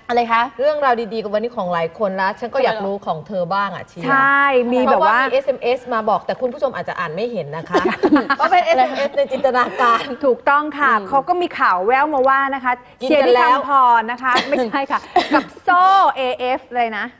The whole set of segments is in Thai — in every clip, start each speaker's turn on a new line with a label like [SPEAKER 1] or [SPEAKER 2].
[SPEAKER 1] อะไรคะ
[SPEAKER 2] เรื่องราวดีๆกับวันนี้ของหลายคนแล้วฉันก็อยากรู้ของเธอบ้างอ่ะเชียร์
[SPEAKER 3] ใช่มีแบบว่า
[SPEAKER 2] มี SMS มาบอกแต่คุณผู้ชมอาจจะอ่านไม่เห็นนะคะก็เป็น SMS ในจินตนาการ
[SPEAKER 3] ถูกต้องค่ะเขาก็มีข่าวแววมาว่านะคะเชียร์ที่คำพรนะคะไม่ใช่ค่ะกับโซ่ AF เลยนะ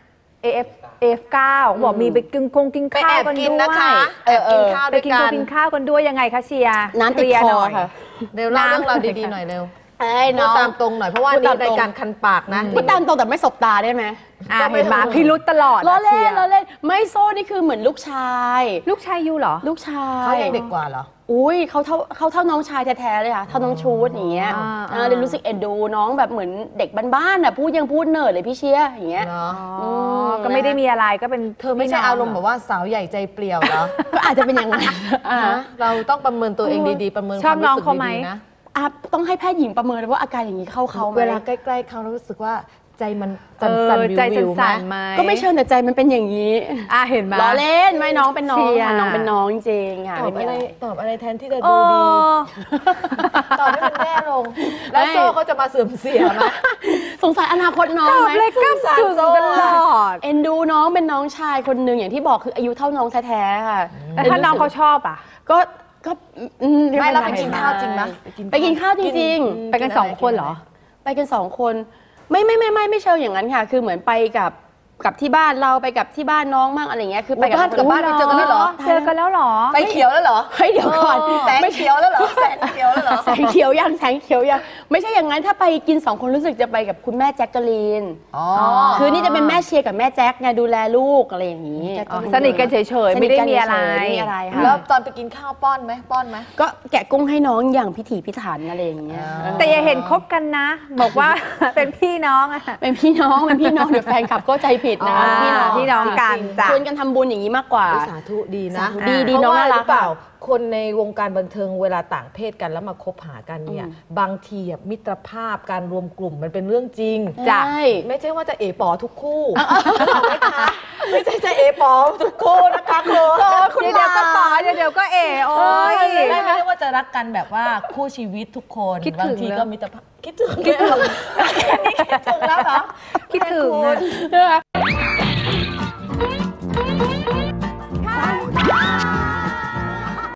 [SPEAKER 3] AF9 บอกมีไปกินข้าวกันด้วยไปกินข้าวกันด้วยยังไงคะเชียร์
[SPEAKER 1] น้ำติดคอค่ะ
[SPEAKER 2] เร็วเล่าเรื่องราวดีๆหน่อยเร็วพูดตามตรงหน่อยเพราะว่านี่รายการคันปากนะ
[SPEAKER 1] พูดตามตรงแต่ไม่สบตาได้ไหม
[SPEAKER 3] เห็นมาพี่รุดตลอด
[SPEAKER 1] ล้อเล่นไม่โซ่นี่คือเหมือนลูกชาย
[SPEAKER 3] ยูเหรอ
[SPEAKER 1] ลูกชาย
[SPEAKER 2] เขายังเด็กกว่าเหรอ
[SPEAKER 1] อุ้ยเขาเท่าน้องชายแท้ๆเลยค่ะเท่าน้องชูดอย่างเงี้ยเลยรู้สึกเอ็นดูน้องแบบเหมือนเด็กบ้านๆอ่ะยังพูดเนิร์ดเลยพี่เชียร์อย่างเงี้ย
[SPEAKER 3] ก็ไม่ได้มีอะไรก็เป็น
[SPEAKER 2] เธอไม่ใช่อารมณ์แบบว่าสาวใหญ่ใจเปลี่ยวเหรอ
[SPEAKER 1] ก็อาจจะเป็นอย่างนั้น
[SPEAKER 2] เราต้องประเมินตัวเองดีๆประเมิน
[SPEAKER 3] ชอบน้องเขาไหม
[SPEAKER 2] นะ
[SPEAKER 1] ต้องให้แพทย์หญิงประเมินว่าอาการอย่างนี้เข้า
[SPEAKER 2] เวลาใกล้ๆเขารู้สึกว่าใจมันสั่นๆวิว
[SPEAKER 3] ไหม
[SPEAKER 1] ก็ไม่เชิญแต่ใจมันเป็นอย่างนี้
[SPEAKER 3] เห็นไหม
[SPEAKER 1] ล้อเล่นไม่น้องเป็นน้องค่ะน้องเป็นน้องจริงค่ะ
[SPEAKER 2] ตอบอะไรแทนที่จะดูดีตอบให้มันแย่ลงแล้วโซ่เขาจะมาเสื่อมเสียไหม
[SPEAKER 1] สงสัยอนาคตน้องไหม
[SPEAKER 3] เลยก้ำกึ่งตลอด
[SPEAKER 1] เอ็นดูน้องเป็นน้องชายคนหนึ่งอย่างที่บอกคืออายุเท่าน้องแท้ๆค่ะ
[SPEAKER 3] แต่ถ้าน้องเขาชอบ
[SPEAKER 1] ก็
[SPEAKER 2] ไม่เราไปกินข้าวจริงไหม
[SPEAKER 1] ไปกินข้าวจริง
[SPEAKER 3] ๆไปกัน2 คนเหรอ
[SPEAKER 1] ไปกัน2 คนไม่เชิงอย่างนั้นค่ะคือเหมือนไปกับที่บ้านเราไปกับที่บ้านน้องมั่งอะไรเงี้ยคือไป
[SPEAKER 2] กับบ้านไปเจอกันแล้วเหรอ
[SPEAKER 3] เจอกันแล้วเหรอ
[SPEAKER 2] ไฟเขียวแล้วเหรอ
[SPEAKER 1] เฮ้ยเดี๋ยวก่อน
[SPEAKER 2] แสงเขียวแล้วเหรอแสงเขียวแล้วเหรอ
[SPEAKER 1] แสงเขียวยังไม่ใช่อย่างนั้นถ้าไปกิน2 คนรู้สึกจะไปกับคุณแม่แจ็คกะลีนคือนี่จะเป็นแม่เชียร์กับแม่แจ็คไงดูแลลูกอะไรอย่างนี้
[SPEAKER 3] สนิทกันเฉยๆไม่ได้มีอะไร
[SPEAKER 2] แล้วตอนไปกินข้าวป้อนไหม
[SPEAKER 1] ก็แกะกุ้งให้น้องอย่างพิถีพิถันอะไรอย่างเงี้ย
[SPEAKER 3] แต่อย่าเห็นคบกันนะบอกว่าเป็นพี่น้อง
[SPEAKER 1] เป็นพี่น้องเดี๋ยวแฟนคลับก็ใจผิดนะ
[SPEAKER 3] พี่น้องกัน
[SPEAKER 1] ชวนกันทำบุญอย่างนี้มากกว่า
[SPEAKER 2] สาธุดีนะ
[SPEAKER 1] ดีน้องน่ารัก
[SPEAKER 2] เปล่าคนในวงการบันเทิงเวลาต่างเพศกันแล้วมาคบหากันเนี่ยบางทีมิตรภาพการรวมกลุ่มมันเป็นเรื่องจริงไม่ใช่ว่าจะเอป๋อทุกคู่นะคะไม่ใช่จะเอป๋อทุกคู่นะคะ
[SPEAKER 3] คุณเดี๋ยวก็ป๋อเดี๋ยวก็เอโอ้ย
[SPEAKER 2] ไม่ได้ว่าจะรักกันแบบว่าคู่ชีวิตทุกคนบางทีก็มิตรภาพคิดถึงแล้วเหรอ
[SPEAKER 3] คิดถึง